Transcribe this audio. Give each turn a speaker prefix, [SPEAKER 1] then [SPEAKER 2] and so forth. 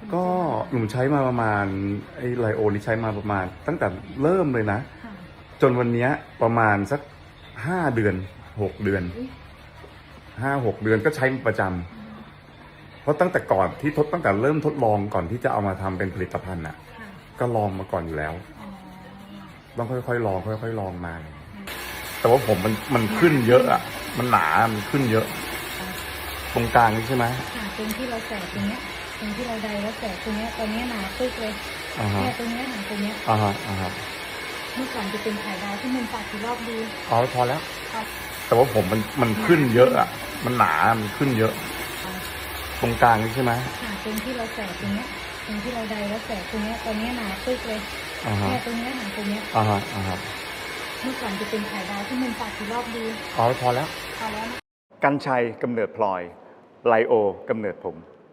[SPEAKER 1] ก็หนูใช้มาประมาณไอ้ไลโอนี่ใช้มาประมาณตั้งแต่เริ่มเลยนะจนวันนี้ประมาณสัก5 เดือน6 เดือน5-6 เดือนก็ใช้ประจำเพราะตั้งแต่ก่อนที่ตั้งแต่เริ่มทดลองก่อนที่จะเอามาทำเป็นผลิตภัณฑ์อ่ะก็ลองมาก่อนอยู่แล้วต้องค่อยๆลองค่อยๆลองมาแต่ว่าผมมันขึ้นเยอะอ่ะมันหนามันขึ้นเยอะ ตรงกลางนี่ใช่ไหม
[SPEAKER 2] ตรงที่เราแสกตรงเนี้ยตรงที่เราใดแล้วแสกตรงเนี้ยตอนนี้หนาปึ๊กเลยเนี่ยตรงเนี้ยหนาตรงเนี้ยเมื่อก่อนจะเป็นไข่ดาวที่มันปากกี่รอบดี
[SPEAKER 1] พอแล้วแต่ว่าผมมันขึ้นเยอะอ่ะมันหนามันขึ้นเยอะ ตรงกลางนี่ใช่ไหม
[SPEAKER 2] ตรงที่เราแสกตรงเนี้ยตรงที่เราใดแล้วแสกตรงเนี้ยตอนนี้หนาปึ๊กเลยเนี่ยตรงเนี้ยหนาตรงเนี้ยเมื่อก่อนจะเป็นไข่ดาวที่มันปากกี่รอบดี
[SPEAKER 1] พอแล้ว
[SPEAKER 2] นะ
[SPEAKER 1] กัญชัยกำเนิดพลอยไลโอกำเนิดผม